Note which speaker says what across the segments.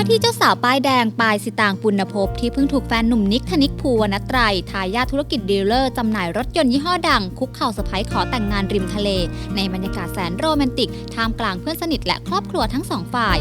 Speaker 1: ที่เจ้าสาวป้ายแดงปายสิตางปุณภพที่เพิ่งถูกแฟนหนุ่มนิกธนิกภูวณัตรัยทายาทธุรกิจดีลเลอร์จำหน่ายรถยนต์ยี่ห้อดังคุกเข่าเซอร์ไพรส์ขอแต่งงานริมทะเลในบรรยากาศแสนโรแมนติกท่ามกลางเพื่อนสนิทและครอบครัวทั้งสองฝ่าย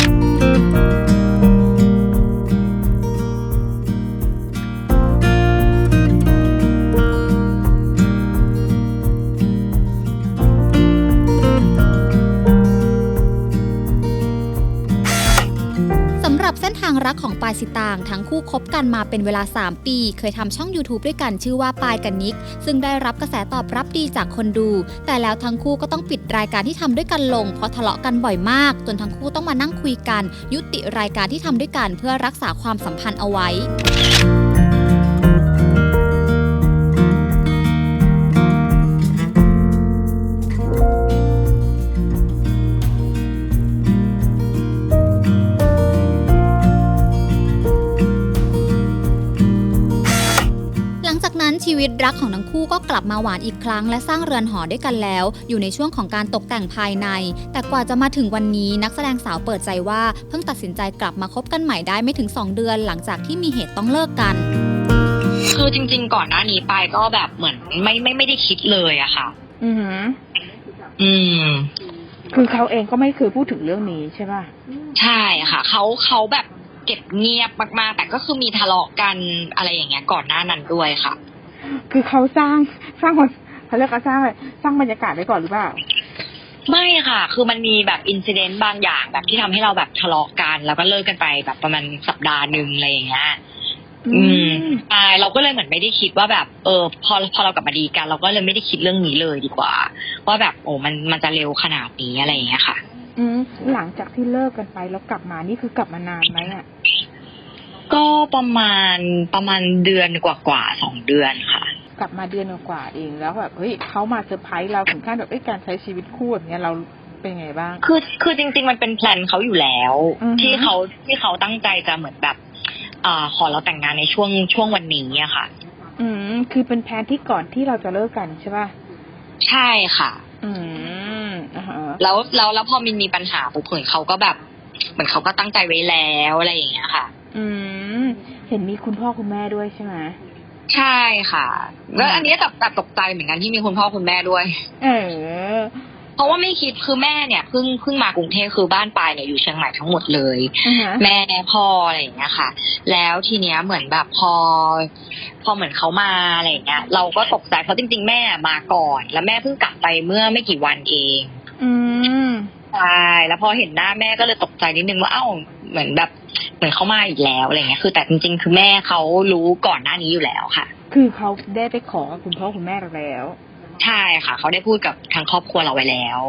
Speaker 1: สำหรับเส้นทางรักของปายสิตางทั้งคู่คบกันมาเป็นเวลา3ปีเคยทำช่อง YouTube ด้วยกันชื่อว่าปายกับนิกซึ่งได้รับกระแสตอบรับดีจากคนดูแต่แล้วทั้งคู่ก็ต้องปิดรายการที่ทำด้วยกันลงเพราะทะเลาะกันบ่อยมากจนทั้งคู่ต้องมานั่งคุยกันยุติรายการที่ทำด้วยกันเพื่อรักษาความสัมพันธ์เอาไว้ชีวิตรักของทั้งคู่ก็กลับมาหวานอีกครั้งและสร้างเรือนหอด้วยกันแล้วอยู่ในช่วงของการตกแต่งภายในแต่กว่าจะมาถึงวันนี้นักแสดงสาวเปิดใจว่าเพิ่งตัดสินใจกลับมาคบกันใหม่ได้ไม่ถึง2เดือนหลังจากที่มีเหตุต้องเลิกกัน
Speaker 2: คือจริงๆก่อนหน้านี้ปายก็แบบเหมือนไม่ได้คิดเลยอะค่ะ
Speaker 3: คือเขาเองก็ไม่เคยพูดถึงเรื่องนี้ใช่ป่ะ
Speaker 2: ใช่ค่ะเขาแบบเก็บเงียบมากๆแต่ก็คือมีทะเลาะกันอะไรอย่างเงี้ยก่อนหน้านั้นด้วยค่ะ
Speaker 3: คือเขาสร้างเขาเรียกว่าสร้างบรรยากาศไว้ก่อนหรือเปล่า
Speaker 2: ไม่ค่ะคือมันมีแบบอินซิเดนต์บางอย่างแบบที่ทำให้เราแบบทะเลาะกันแล้วก็เลิกกันไปแบบประมาณสัปดาห์นึงอะไรอย่างเงี้ยใช่เราก็เลยเหมือนไม่ได้คิดว่าแบบพอเรากลับมาดีกันเราก็เลยไม่ได้คิดเรื่องนี้เลยดีกว่าว่าแบบโอ้มันจะเร็วขนาดนี้อะไรอย่างเงี้ยค่ะ
Speaker 3: หลังจากที่เลิกกันไปแล้วกลับมานี่คือกลับมานานไหมอ่ะ
Speaker 2: ก็ประมาณเดือนกว่า2 เดือนค่ะ
Speaker 3: กลับมาเดือนกว่าเองแล้วแบบเฮ้ยเขามาเซอร์ไพรส์เราถึงขั้นแบบการใช้ชีวิตคู่แบบนี้เราเป็นไงบ้าง
Speaker 2: คือจริงๆมันเป็นแพลนเขาอยู่แล้วที่เขาตั้งใจจะเหมือนแบบขอเราแต่งงานในช่วงวันนี้อะค่ะ
Speaker 3: คือเป็นแพลนที่ก่อนที่เราจะเลิกกันใช่ป่ะ
Speaker 2: ใช่ค่ะแล้วพอมีปัญหาปุ๊บเขาก็แบบเหมือนเขาก็ตั้งใจไว้แล้วอะไรอย่างเงี้ยค่ะ
Speaker 3: เห็นมีคุณพ่อคุณแม่ด้วยใช่ไหม
Speaker 2: ใช่ค่ะแล้วอันนี้แต่ตกใจเหมือนกันที่มีคุณพ่อคุณแม่ด้วยเพราะว่าไม่คิดคือแม่เนี่ยเพิ่งมากรุงเทพคือบ้านปายเนี่ยอยู่เชียงใหม่ทั้งหมดเลยแม่พ่ออะไรอย่างเงี้ยค่ะแล้วทีเนี้ยเหมือนแบบพอเหมือนเขามาอะไรอย่างเงี้ยเราก็ตกใจเพราะจริงๆแม่มาก่อนแล้วแม่เพิ่งกลับไปเมื่อไม่กี่วันเองใช่แล้วพอเห็นหน้าแม่ก็เลยตกใจนิดนึงว่าเหมือนเขามาอีกแล้วอะไรเงี้ยคือแต่จริงๆคือแม่เขารู้ก่อนหน้านี้อยู่แล้วค่ะ
Speaker 3: คือเขาได้ไปขอกับคุณพ่อคุณแม่เราแล้ว
Speaker 2: ใช่ค่ะเขาได้พูดกับทางครอบครัวเราไว้แล้ว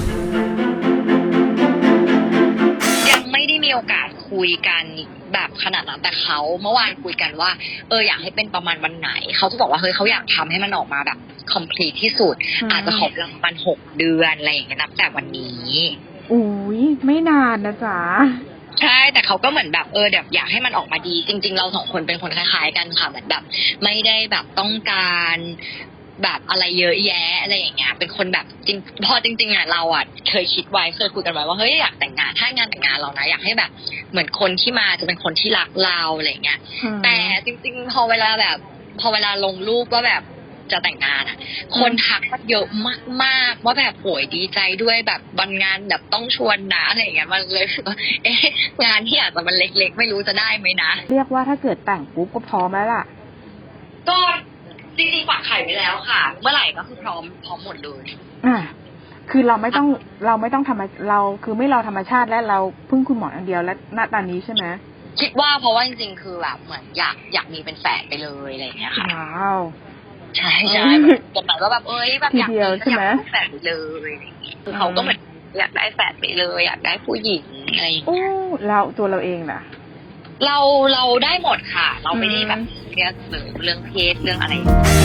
Speaker 2: ยังไม่ได้มีโอกาสคุยกันแบบขนาดนั้นแต่เขาเมื่อวานคุยกันว่าอยากให้เป็นประมาณวันไหนเขาจะบอกว่าเฮ้ยเขาอยากทำให้มันออกมาแบบ complete ที่สุดอาจจะขอประมาณ6 เดือนอะไรอย่างเงี้ยนับแต่วันนี้
Speaker 3: อุ้ยไม่นานนะจ๊ะ
Speaker 2: ใช่แต่เขาก็เหมือนแบบแบบอยากให้มันออกมาดีจริงๆเรา2 คนเป็นคนคล้ายๆกันค่ะเหมือนแบบไม่ได้แบบต้องการแบบอะไรเยอะแยะอะไรอย่างเงี้ยเป็นคนแบบจริงพอจริงๆอ่ะเราอ่ะเคยคิดไว้เคยคุยกันไว้ว่าเฮ้ยอยากแต่งงานถ้างานแต่งงานเรานะอยากให้แบบเหมือนคนที่มาจะเป็นคนที่รักเราอะไรอย่างเงี้ยแต่จริงๆพอเวลาลงรูปว่าแบบจะแต่งงานอ่ะคนทักมาเยอะมากๆว่าแบบโหยดีใจด้วยแบบวันงานแบบต้องชวนนะอะไรอย่างเงี้ยมันเลยงานที่อาจจะมันเล็กๆไม่รู้จะได้ไหมนะ
Speaker 3: เรียกว่าถ้าเกิดแต่งปุ๊บก็พร้อมแล้วล่ะ
Speaker 2: ก็จริงๆฝากไข่ไว้แล้วค่ะเมื่อไหร่ก็คือพร้อมหมดเลย
Speaker 3: คือเราไม่ต้องเราคือไม่รอธรรมชาติและเราพึ่งคุณหมออย่างเดียวและณตอนนี้ใช่ไหม
Speaker 2: คิดว่าเพราะว่าจริงๆคือแบบเหมือนอยากมีเป็นแฝดไปเลยอะไรอย่างเงี้ยค่ะ
Speaker 3: ว้าว
Speaker 2: ใช่จนหมายว่าแบบแบบอยากมีแฝดไปเลยอะไรอย่างเงี้ยคือเขาก็เหมือนอยากได้แฝดไปเลยอยากได้ผู้หญิงอะไรอย่างเงี้ย
Speaker 3: เราตัวเราเองน่ะ
Speaker 2: เราได้หมดค่ะเราไม่ได้แบบเรื่องเพศเรื่องอะไร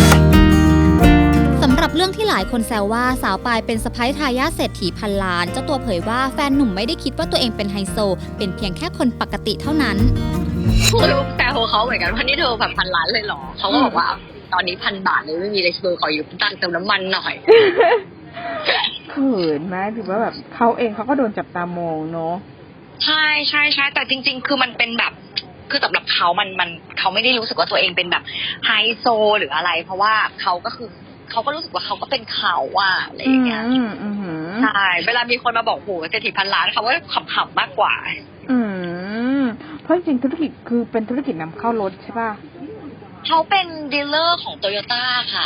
Speaker 1: สำหรับเรื่องที่หลายคนแซวว่าสาวปายเป็นสะใภ้ทายาทเศรษฐีพันล้านเจ้าตัวเผยว่าแฟนหนุ่มไม่ได้คิดว่าตัวเองเป็นไฮโซเป็นเพียงแค่คนปกติเท่านั้น
Speaker 2: รู้แต่เขาเหมือนกันว่านี่เธอแบบ1,000 ล้านเลยเหรอเขาก็บอกว่าตอนนี้1,000 บาทเลยไม่มีเลยขออยู่ตังค์เติมน้ำมันหน่อย
Speaker 3: เขินไหมถือว่าแบบเขาเองเขาก็โดนจับตามองเนาะ
Speaker 2: ใช่ใช่ใช่แต่จริงๆคือมันเป็นแบบคือสำหรับเขามันเขาไม่ได้รู้สึกว่าตัวเองเป็นแบบไฮโซหรืออะไร เพราะว่าเขาก็คือเขาก็รู้สึกว่าเขาก็เป็นเขาอะอะไรอย่างเงี้ยใช่เวลามีคนมาบอกโหเศรษฐีพันล้านเขาก็ขำๆมากกว่า
Speaker 3: เพราะจริงธุรกิจคือเป็นธุรกิจนำเข้ารถใช่ป่ะ
Speaker 2: เขาเป็นดีลเลอร์ของโตโยต้าค่ะ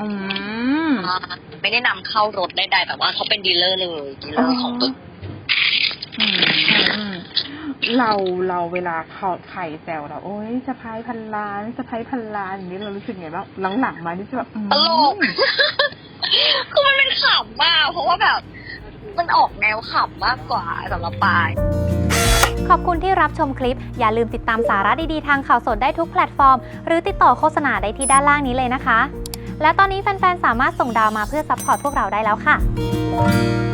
Speaker 2: ไม่ได้นำเข้ารถใดๆแต่ว่าเขาเป็นดีลเลอร์เลยดีลเลอร์ของตัว
Speaker 3: เราเวลาเขาไข่แซวเราโอ๊ยสะพ้ายพันล้านสะพ้ายพันล้านอย่างนี้เรารู้สึกไงบ้างหลังๆมานี่จะแบบ
Speaker 2: ตลกคือมันเป็นขำมากเพราะว่าแบบมันออกแนวขำมากกว่าสำหรับปาย
Speaker 1: ขอบคุณที่รับชมคลิปอย่าลืมติดตามสาระดีๆทางข่าวสดได้ทุกแพลตฟอร์มหรือติดต่อโฆษณาได้ที่ด้านล่างนี้เลยนะคะและตอนนี้แฟนๆสามารถส่งดาวมาเพื่อซัพพอร์ตพวกเราได้แล้วค่ะ